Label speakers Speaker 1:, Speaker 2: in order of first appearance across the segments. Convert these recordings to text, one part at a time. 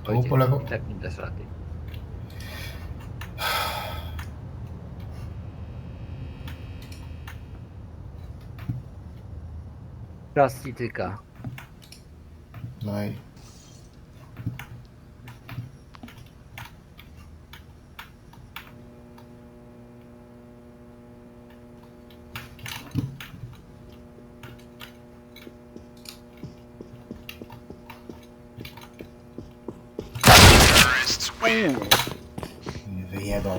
Speaker 1: Tu po lewo.
Speaker 2: Tak mi dasz rady. Czas ci tyka.
Speaker 1: No i... Nie wyjebał.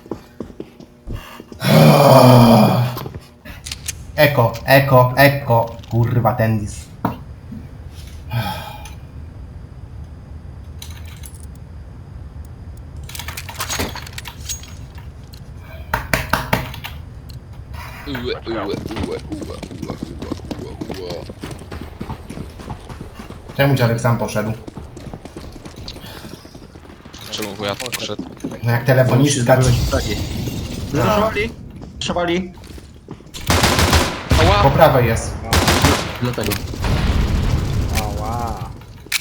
Speaker 1: Eko, eko, eko. Kurwa, tendis. Czemu dziadek sam poszedł?
Speaker 3: Czemu wujat poszedł?
Speaker 1: No jak telefoniczka...
Speaker 4: Zaszowali? Zaszowali?
Speaker 1: Po
Speaker 3: Ała!
Speaker 1: prawej jest.
Speaker 4: Dlatego.
Speaker 2: Ała.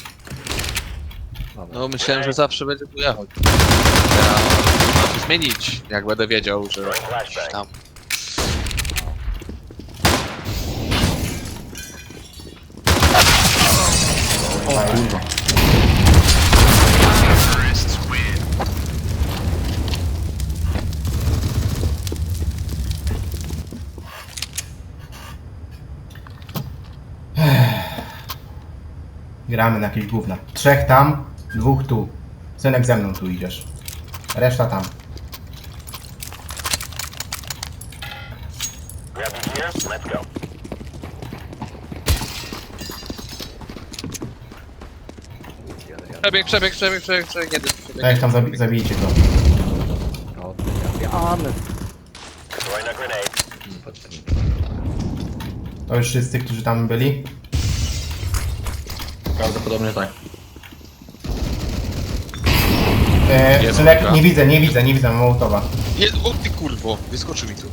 Speaker 2: Dobra.
Speaker 3: No myślałem, że zawsze będzie wujat. Ja mam to zmienić, jak będę wiedział, że gdzieś tam.
Speaker 4: O kurwa.
Speaker 1: Gramy na jakieś gówna. 3 tam, 2 tu. Synek ze mną tu idziesz. Reszta tam.
Speaker 3: Przebieg, nie dym, przebieg.
Speaker 1: Tak, tam zabijcie go.
Speaker 2: No, zabijamy. Potrzebny.
Speaker 1: To już wszyscy, którzy tam byli.
Speaker 4: Prawdopodobnie tak.
Speaker 3: Jest
Speaker 1: Synek,
Speaker 3: druga.
Speaker 1: nie widzę Mołotowa.
Speaker 3: O ty kurwo, wyskoczył mi tu.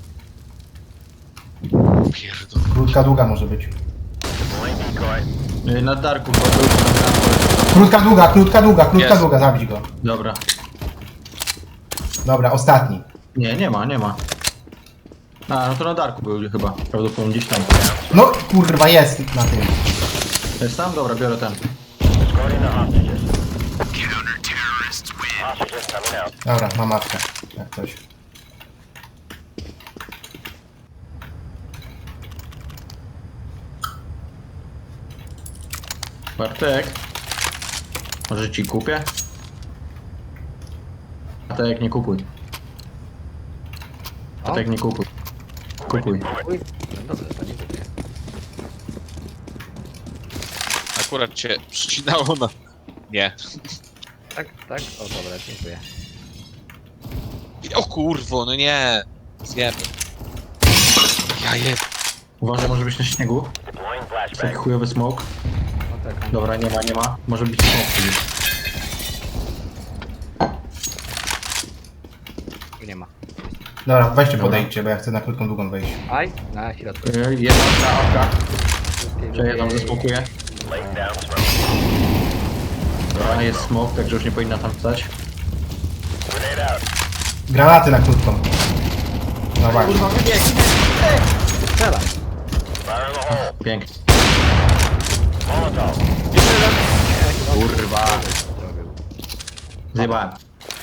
Speaker 3: Pierdol.
Speaker 1: Krótka, długa może być.
Speaker 4: Na Darku, bo
Speaker 1: Krótka,
Speaker 3: Jest.
Speaker 1: długa, zabić go.
Speaker 4: Dobra.
Speaker 1: Dobra, ostatni.
Speaker 4: Nie ma. A, no to na Darku był chyba. Prawdopodobnie gdzieś tam.
Speaker 1: No kurwa, jest na tym.
Speaker 4: Jest tam? Dobra, biorę ten.
Speaker 1: Dobra, mam matkę. Jak coś.
Speaker 4: Bartek. Może ci kupię? Bartek, nie kupuj. Bartek, nie kupuj. Kupuj.
Speaker 2: Uj, no dobrze, to nie kupię.
Speaker 3: Akurat cię przycinało na... Nie.
Speaker 2: Tak, tak? O dobra, dziękuję.
Speaker 3: O kurwo, no nie. Zjemy. Ja jeb...
Speaker 4: Uważaj, może być na śniegu. Taki chujowy smoke.
Speaker 2: No tak,
Speaker 4: Dobra, nie ma. Może być smoke gdzieś.
Speaker 2: nie ma.
Speaker 1: Dobra, weźcie podejdźcie, bo ja chcę na krótką, długą wejść.
Speaker 2: Aj, na środku.
Speaker 4: Jedna awka. Przejeżdżam, zasmokuję. Dobra, jest smoke, także już nie powinna tam stać.
Speaker 1: Granaty na krótką. No właśnie.
Speaker 2: Strzelaj.
Speaker 4: Pięknie.
Speaker 2: Jeszcze raz.
Speaker 4: Kurwa. Zjebałem.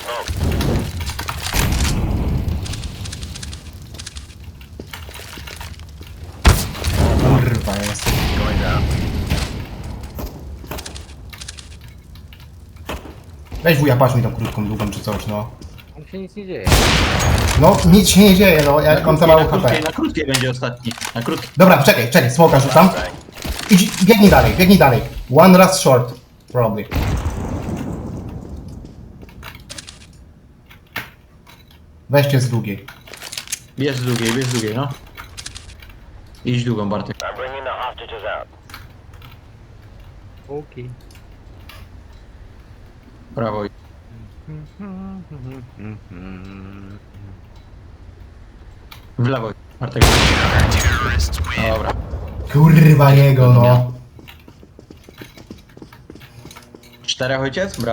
Speaker 1: Kurwa, jest. Weź wuja, patrz mi tą krótką, długą czy coś, no.
Speaker 2: Tam się nic nie dzieje.
Speaker 1: No, nic się nie dzieje, no, ja mam za mało HP.
Speaker 4: Na krótkiej będzie ostatni. Na krótkiej.
Speaker 1: Dobra, czekaj, smoka rzucam. Idź, biegnij dalej. One raz short, probably. Weźcie z długiej.
Speaker 4: Bierz z długiej, no. Idź długą, Bartek.
Speaker 2: Póki.
Speaker 4: Prawo. W lewo. Bartek. Dobra.
Speaker 1: Kurwa jego, no.
Speaker 4: 4 ojciec?